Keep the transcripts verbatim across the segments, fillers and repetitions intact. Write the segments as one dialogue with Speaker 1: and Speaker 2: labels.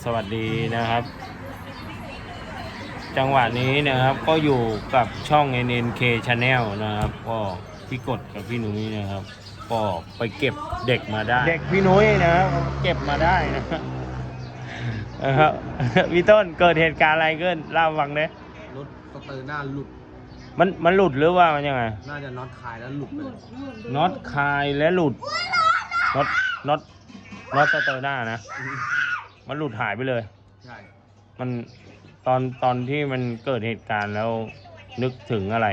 Speaker 1: สวัสดีนะครับ จังหวะนี้นะครับก็อยู่กับช่อง เอ็น เอ็น เค Channel นะครับก็พี่กดกับพี่นุ้ยนะครับก็ไปเก็บเด็กมาได้เด็กพี่นุ้ยนะครับเก็บมาได้นะครับนะครับพี่ต้นเกิดเหตุการณ์อะไรขึ้นเล่าฟังเลย
Speaker 2: รถสเตอร์หน้าหลุด
Speaker 1: มันมันหลุดหรือว่ามันยังไง
Speaker 2: น่าจะน็อตคายแล้วหลุดไป
Speaker 1: น็อตคายและหลุดน็อตน็อตน็อตสเตอร์หน้านะมันหลุดหายไปเลย
Speaker 2: ใช่
Speaker 1: มันตอนตอนที่มันเกิดเหตุการณ์แล้วนึกถึงอะไร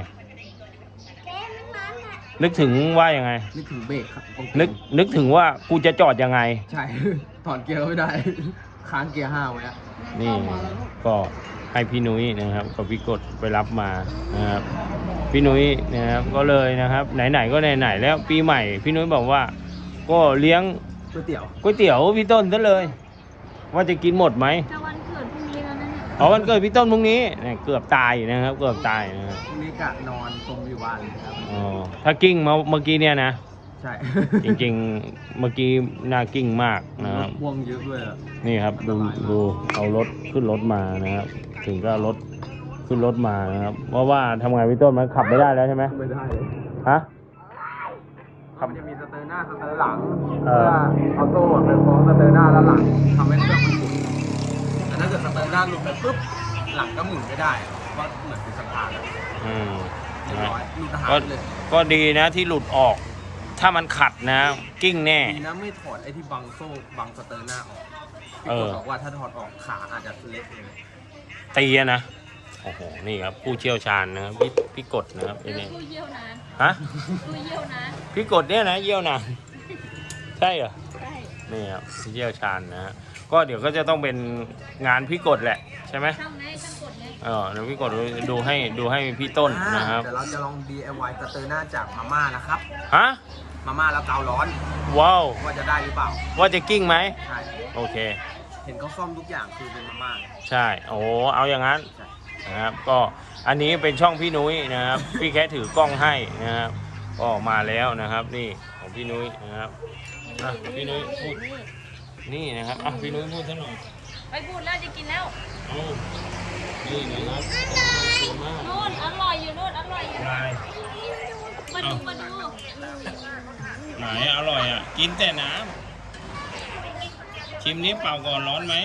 Speaker 1: นึกถึงว่ายังไง
Speaker 2: นึกถึงเบรกครับ
Speaker 1: นึกนึกถึงว่ากูจะจอดยังไง
Speaker 2: ใช่ถอดเกียร์ไม่ได้ค้างเกียร์ห้าไว้อะ
Speaker 1: นี่ก็ให้พี่นุ้ยนะครับกับพี่กดไปรับมานะครับพี่นุ้ยนะครับก็เลยนะครับไหนๆก็ไหนๆแล้วปีใหม่พี่นุ้ยบอกว่าก็เลี้ยง
Speaker 2: ก๋วยเตี๋ยว
Speaker 1: ก๋วยเตี๋ยวพี่ต้นซะเลยว่าจะกินหมดไหม
Speaker 3: จะวันเกิดพรุ่งนี้แล้วนะเนี่ย
Speaker 1: อ๋อวันเกิดพี่ต้นพรุ่งนี้เนี่ยเกือบตายนะครับเกือบตายนะครับ
Speaker 2: พรุ่งนี้กะนอนตรงอยู่บ้านเลยครับ
Speaker 1: อ๋อถ้ากิ้งมาเมื่อกี้เนี่ยนะ
Speaker 2: ใช่
Speaker 1: จริงๆเมื่อกี้น่ากิ้งมากนะครับ
Speaker 2: พ่วงเยอะด้วย
Speaker 1: นี่ครับดูดูเอารถขึ้นรถมานะครับถึงก็รถขึ้นรถมานะครับเพราะว่าทำไงพี่ต้นมันขับไม่ได้แล้วใช่ไหม
Speaker 2: ไม่ได้เลย
Speaker 1: ฮะ
Speaker 2: ขับจะมีสเตอร์หน้าสเตอร์หลังเพื่อเอาโซ่ไปคล้องสเตอร์หน้าแล้วหลังทำให้เครื่องมันหมุนแต่ถ้าเกิดสเตอร์หน้าหลุดไปปุ๊บหลังก็หมุนไม่ได้เพราะเหมือนเป็นสะพานเลย
Speaker 1: อืม
Speaker 2: ก็
Speaker 1: ก็ดีนะที่หลุดออกถ้ามันขัดนะกิ้งแน่
Speaker 2: ดีนะไม่ถอดไอ้ที่บังโซ่บังสเตอร์หน้าออกพี่กดบอกว่าถ้าถอดออกขาอาจจะเละเลย
Speaker 1: ตีนะโอ้โหนี่ครับผู้เชี่ยวชาญนะครับพี่พี่กดนะครับไอ้นี่
Speaker 3: ผู้เยี่ยวนาน
Speaker 1: ฮะ
Speaker 3: ผู้เยี่ยวนาน
Speaker 1: พี่กดเนี่ยนะเยี่ยวนานใช่เหรอ
Speaker 3: ใช่
Speaker 1: นี่ครับผู้เชี่ยวชาญนะฮะก็เดี๋ยวก็จะต้องเป็นงานพี่กดแหละใช่ไหม
Speaker 3: ช่างไหนช่างกดไง
Speaker 1: เออเดี๋ยวพี่กดดูให้ดูให้พี่ต้นนะครับ
Speaker 2: เดี๋ยวเราจะลอง ดี ไอ วาย สเตอร์หน้าจากมาม่านะครับ
Speaker 1: ฮะ
Speaker 2: มาม่าแล้วเการ้อน
Speaker 1: ว้าว
Speaker 2: ว่าจะได้หรือเปล่า
Speaker 1: ว่าจะกิ้งไหม
Speaker 2: ใช่
Speaker 1: โอเค
Speaker 2: เห็นเขาซ่อมทุกอย่างคือเป็นมาม่า
Speaker 1: ใช่โอ้เอาอย่างนั้นนะครับก็อันนี้เป็นช่องพี่นุ้ยนะครับพี่แค่ถือกล้องให้นะครับก็มาแล้วนะครับนี่ของพี่นุ้ยนะครับอ่ะพี่นุ้ยพูดนี่นะครับอ่ะพี่นุ้ยพูดซะหน่อย
Speaker 3: ไปพูดแล้วจะกินแล้ว
Speaker 1: โอ้นี่นะครับ
Speaker 3: นู่นอร่อยอยู่นู่นอร่อยอยู่มาดูมาดู
Speaker 1: ไหนอร่อยอ่ะกินแต่น้ำชิมนี้เปล่าก่อนร้อนไหม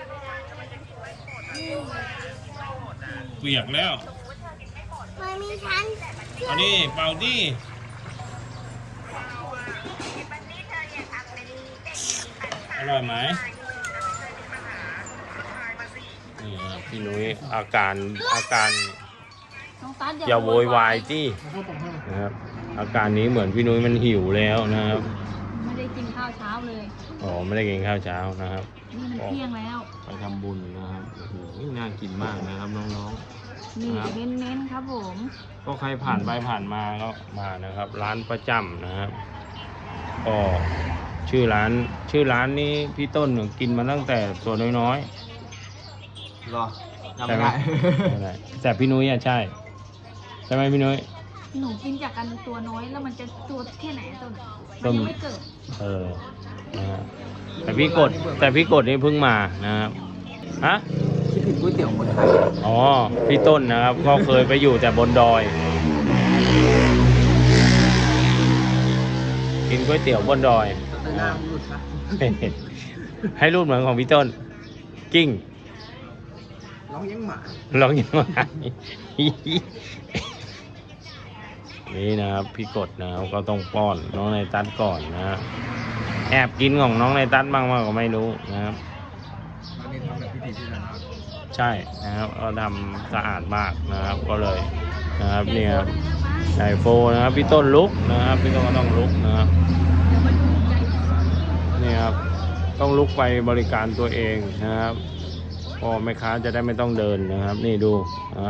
Speaker 1: เปียกแล้ว
Speaker 3: มันมีชั้น
Speaker 1: อันนี้เป่าดิอร่อยไหมนี่พี่นุ้ยอาการอาการอย่าโวยวายที่นะครับอาการนี้เหมือนพี่นุ้ยมันหิวแล้วนะครับ
Speaker 3: ไม่ได้กินข้าวเช้าเลย
Speaker 1: อ๋อไม่ได้กินข้าวเช้านะครับ
Speaker 3: นี่มันเที่ยงแล้ว
Speaker 1: ไปทำบุญนะครับโอ้โหน่ากินมากนะครับน้อง
Speaker 3: ๆนี่เน้นๆครับผม
Speaker 1: ก็ใครผ่านไปผ่านมาก็มานะครับร้านประจำนะครับก็ชื่อร้านชื่อร้านนี้พี่ต้นกินมาตั้งแต่ตัวน้อย
Speaker 2: ๆรอจำไม่
Speaker 1: ได้แต่พี่นุ้ยอ่ะใช่ใช่ไหมพี่นุ้ย
Speaker 3: หนูกินจากกันตัวน้อยแล้วมันจะตัวแค่ไหนต้นมันยังไม่เกิด
Speaker 1: เออนะฮะแต่พี่กดแต่พี่กดนี่เพิ่งมานะครับฮะ
Speaker 2: คิดถึงก๋วยเตี๋ยวคนไทย
Speaker 1: อ๋อพี่ต้นนะครับก็เคยไปอยู่แต่บนดอยกินก๋วยเตี๋ยวบนดอยให้รูปเหมือนของพี่ต้นกิ้ง
Speaker 2: ร้องยังหมา
Speaker 1: ร้องยังหมานี่นะครับพี่กดนะครับก็ต้องป้อนน้องในตัดก่อนนะแอบกินของน้องในตัดบ้างว่าก็ไม่รู้นะครับใช่นะครับเราทำสะอาดมากนะครับก็เลยนะครับนี่ครับไอโฟนะครับพี่ต้นลุกนะครับพี่ต้นก็ต้องลุกนะครับนี่ครับต้องลุกไปบริการตัวเองนะครับพอแม่ค้าจะได้ไม่ต้องเดินนะครับนี่ดูนะครับ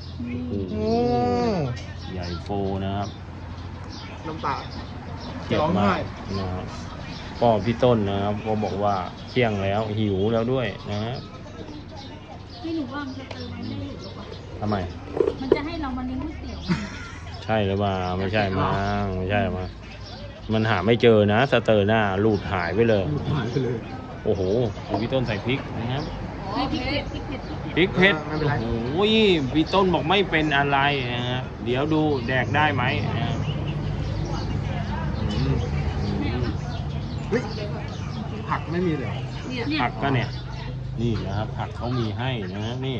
Speaker 1: ใหญ่โฟนะครับ
Speaker 2: น้ำตา
Speaker 1: เจ็บมากนะครับก็พี่ต้นนะครับก็บอกว่าเที่ยงแล้วหิวแล้วด้วยนะครับ
Speaker 3: พี่หนูว่ามันจะเติมไม่ได้หรือเปล่า
Speaker 1: ทำไม
Speaker 3: มันจะให้เรามาเลี้ยงก๋วยเตี๋ยว
Speaker 1: ใช่หรือเปล่าไม่ใช่มั้งไม่ใช่มั้งมันหาไม่เจอนะสเตอร์หน้าหลุดหายไปเลย
Speaker 2: หายไปเลย
Speaker 1: โอ้โหดูพี่ต้นใส่พริกนะครับ
Speaker 3: พริกเผ็ดพริกเผ็ดพริกเผ็ด
Speaker 1: พริกเผ็ดโอ้โหพี่ต้นบอกไม่เป็นอะไรนะครับเดี๋ยวดูแดกได้ไหมนะครับอืมอืม
Speaker 2: เฮ้ยผักไม่มีเลย
Speaker 3: เนี่ย
Speaker 1: ผักก็เนี่ยนี่นะครับผักเขามีให้นะครับนี่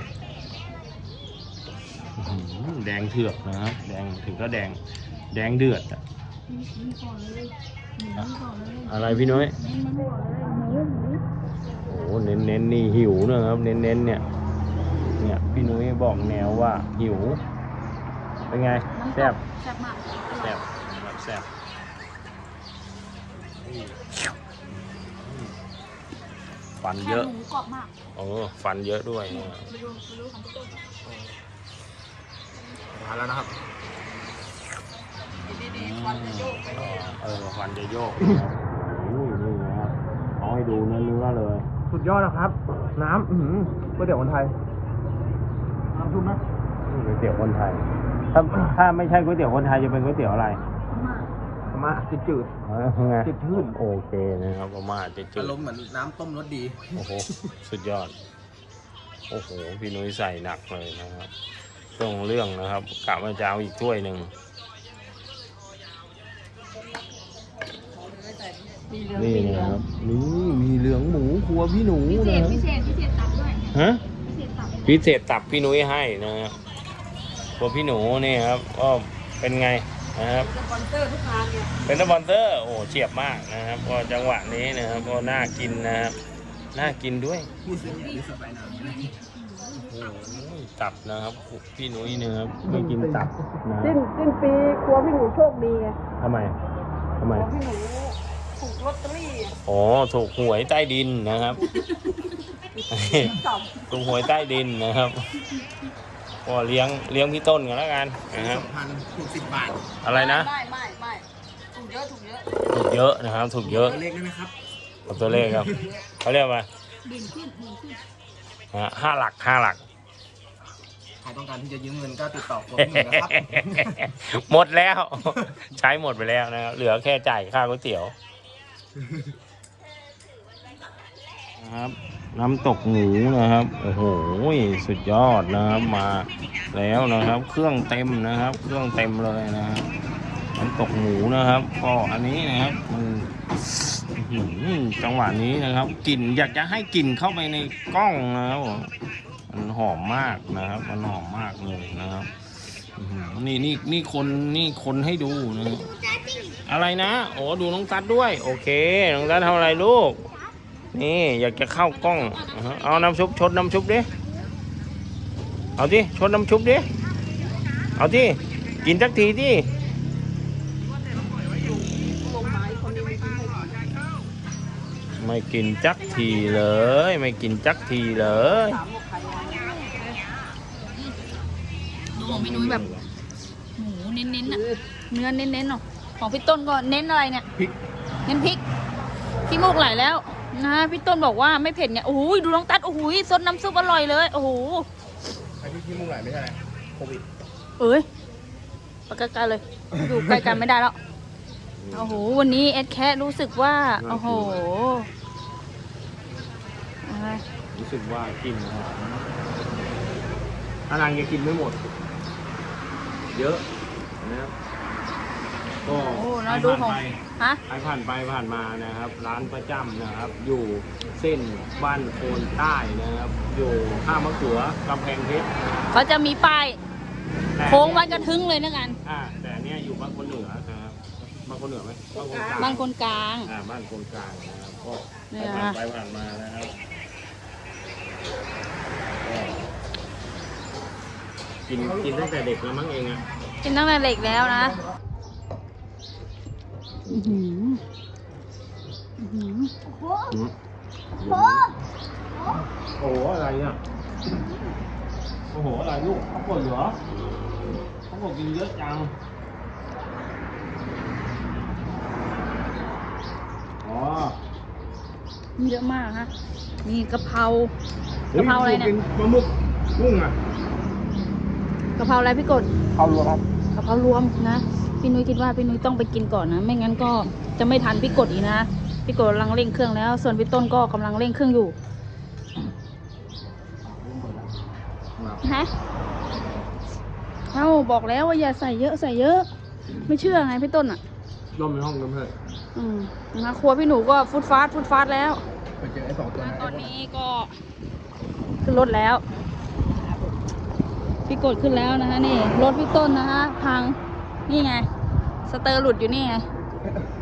Speaker 1: อื้อหือแดงเถือกนะครับแดงถึงก็แดงแดงเดือดอะ
Speaker 3: นี่ก่อนเลยหมูก่อนเลย
Speaker 1: อะไรพี่น้อย
Speaker 3: เน้นมันก่อนเลยหมูหมู
Speaker 1: โอ้โหเน้นเน้นๆนี่หิวนะครับเน้นเน้นๆเนี่ยเนี่ยพี่นุ้ยบอกแนวว่าหิวเป็นไงแซ่บ
Speaker 3: แซ่บมาก
Speaker 1: แซ่บแบบแซ่บฟัน
Speaker 3: แค่
Speaker 1: เยอะ
Speaker 3: หมูกรอบมาก
Speaker 1: โอ้ฟันเยอะด้วยนะ
Speaker 3: ไม่รู้ไม่รู้ของพี่ต้น
Speaker 2: มาแล้วนะครับ
Speaker 3: ดีๆควันจะโยกไป
Speaker 1: เออฟันจะโยกนะครับอุ้ยนี่นะครับเอาให้ดูเนื้อเนื้อๆเลย
Speaker 2: สุดยอดนะครับ น้ำอื้อหือก๋วยเตี๋ยวคนไทยน้ำซุปไหม
Speaker 1: นี่ก๋วยเตี๋ยวคนไทย ถ้าถ้าไม่ใช่ก๋วยเตี๋ยวคนไทยจะเป็นก๋วยเตี๋ยวอะไร
Speaker 3: มาก
Speaker 2: มาจืดจืด
Speaker 1: เออไง
Speaker 2: จืดชืด
Speaker 1: โอเคนะครับประมาณจะจื
Speaker 2: อา
Speaker 1: ด
Speaker 2: รมณ์เหมือนน้ำต้มรสดี
Speaker 1: โอ้โห สุดยอด โอ้โห พี่นุ้ยใส่หนักเลยนะครับเรื่องเรื่องนะครับกะว่าจะเอาอีกถ้วยหนึ่ง
Speaker 3: มีเหลือง
Speaker 1: นี่
Speaker 3: มีเหลื
Speaker 1: นะ
Speaker 3: อง
Speaker 1: ครับ นี่มีเหลืองหมูครัวพี่หนู
Speaker 3: พิเศ
Speaker 1: นะ
Speaker 3: ษพิเศษพิเศษตับด้วย
Speaker 1: ฮะ
Speaker 3: พิเศษตับ
Speaker 1: พิเศษตับพี่นุ้ยให้นะครับครัวพี่หนูนี่ครับก็เป็นไงนะครับ
Speaker 3: สปอนเซอร์ทุกงานเนี่ย
Speaker 1: เป็นสปอนเซอร์ โอ้เฉียบมากนะครับก็จังหวะนี้นะครับก็น่ากินนะครับ น่ากินด้วย
Speaker 2: พูดเสียงดีสบายน้ำ
Speaker 1: โอ้โหตับนะครับพี่นุ้ยนะครับไม่กินตับนะ
Speaker 3: สิ้นสิ้นปีครัวพี่หนูโชคดีไง
Speaker 1: ทำไมทำไม
Speaker 3: ครัวพี่หนูถูกลอตเตอรี่อะ
Speaker 1: อ๋อถูกหวยใต้ดินนะครับ
Speaker 3: ตับ
Speaker 1: ถูกหวยใต้ดินนะครับก็เลี้ยงเลี้ยงพี่ต้นกันแล้วกันนะครับ
Speaker 2: สองพันถูกสิบบาท
Speaker 1: อะไรนะ
Speaker 3: ไม่ไม่ไม่ถูกเยอะถูกเยอะ
Speaker 1: ถูกเยอะนะครับ ถูกเยอะ
Speaker 2: ตัวเลขได้ไหมครับ
Speaker 1: กับตัวเลขครับเขาเรียกว่า
Speaker 3: บินขึ้นบินขึ้น
Speaker 1: ฮะห้าหลักห้าหลัก
Speaker 2: ใครต้องการที่จะยืมเงินก็ติดต่อผมหนึ่งนะครับ
Speaker 1: หมดแล้ว ใช้หมดไปแล้วนะครับเหลือแค่จ่ายค่าก๋วยเตี๋ยวนะครับน้ำตกหมูนะครับโอ้โหสุดยอดนะครับมาแล้วนะครับ เครื่องเต็มนะครับ เครื่องเต็มเลยนะครับน้ำตกหมูนะครับก็อันนี้นะครับมันอื้อหือจังหวะนี้นะครับกลิ่นอยากจะให้กลิ่นเข้าไปในกล้องนะครับมันหอมมากนะครับ มันหอมมากเลยนะครับอื้อหือนี่นี่นี่คนนี่คนให้ดูนะครับอะไรนะโอ้ดูน้องตัดด้วยโอเคน้องตัดทำอะไรลูกนี่อยากจะเข้ากล้องอ่าฮะเอาน้ำซุปชดน้ำซุปดิเอาดิชดน้ำซุปดิเอาดิกินสักทีดิไม่กินจักทีเลย ไม่กินจักทีเลย
Speaker 3: ดูของพี่นุ้ยแบบหมูเน้นๆอ่ะเนื้อเน้นๆเนาะของพี่ต้นก็เน้นอะไรเนี่ย
Speaker 2: พริก
Speaker 3: เน้นพริกพี่มูกไหลแล้วนะพี่ต้นบอกว่าไม่เผ็ดเนี่ยโอ้โหดูน้องตัดโอ้โหซดน้ำซุปอร่อยเลยโอ้โห
Speaker 2: ไอ้ที่ที่มุ่งไหลไม่ใช่อะไรโควิด
Speaker 3: เอ้ยไปไกลๆเลยอยู่ใกล้กันไม่ได้แล้วโอ้โหวันนี้เอ็ดแครู้สึกว่าโอ้โหอะไร
Speaker 1: รู้สึกว่ากินหอมอะไรยังกินไม่หมด เยอะนะครับก็
Speaker 3: โอ้แล้วดูของฮะ
Speaker 1: ใครผ่านไปผ่านมานะครับ ร้านประจำนะครับ อยู่เส้นบ้านโพนใต้นะครับ อยู่ท่ามะเขือกำแพงเพชรนะครับ
Speaker 3: เขาจะมีป้าย
Speaker 1: แต่
Speaker 3: โค้งวัดกระทึงเลยนะกัน
Speaker 1: อ่าแต่เนี้ยอยู่บ้านคนเหนือนะครับบ้านคนเหนือไหมบ้านคนกลาง
Speaker 3: บ้านคนกลาง
Speaker 1: อ่าบ้านคนกลางนะครับก็
Speaker 3: เนี่
Speaker 1: ใคร
Speaker 3: ย
Speaker 1: ผ่านไปผ่านมานะครับก็กินกินตั้งแต่เด็กแล้วมั้งเองอ่ะ
Speaker 3: กินตั้งแต่เด็กแล้วนะอื้อหืออื้อหือ
Speaker 1: อืมโอ้โหอะไรเนี่ยโอ้โหอะไรลูกเขากดเหรอเขากดกินเยอะจังอ๋อ
Speaker 3: เยอะมากฮะนี่กะเพรากะเพราอะไรเนี่ย
Speaker 1: กินปลาหมึกกุ้งอ่ะ
Speaker 3: กะเพราอะไรพี่กด
Speaker 2: เอารวมครับ
Speaker 3: กะเพรารวมนะพี่นุ้ยคิดว่าพี่นุ้ยต้องไปกินก่อนนะไม่งั้นก็จะไม่ทันพี่กดอีกนะพี่โกกำลังเร่งเครื่องแล้ว ส่วนพี่ต้นก็กำลังเร่งเครื่องอยู่ฮะเอ้าบอกแล้วว่าอย่าใส่เยอะใส่เยอะ ไม่เชื่อไงพี่ต้นอ่ะ
Speaker 2: ร่มในห้องกันเถอะ
Speaker 3: อืมนะคะครัวพี่หนูก็ฟุดฟาดฟุดฟาดแล้ว
Speaker 2: ไปเจอไอ้สองตัวนั้น
Speaker 3: ตอนนี้ก็ขึ้นรถแล้ว พี่กดขึ้นแล้วนะคะนี่รถพี่ต้นนะคะพังนี่ไงสเตอร์หลุดอยู่นี่ไง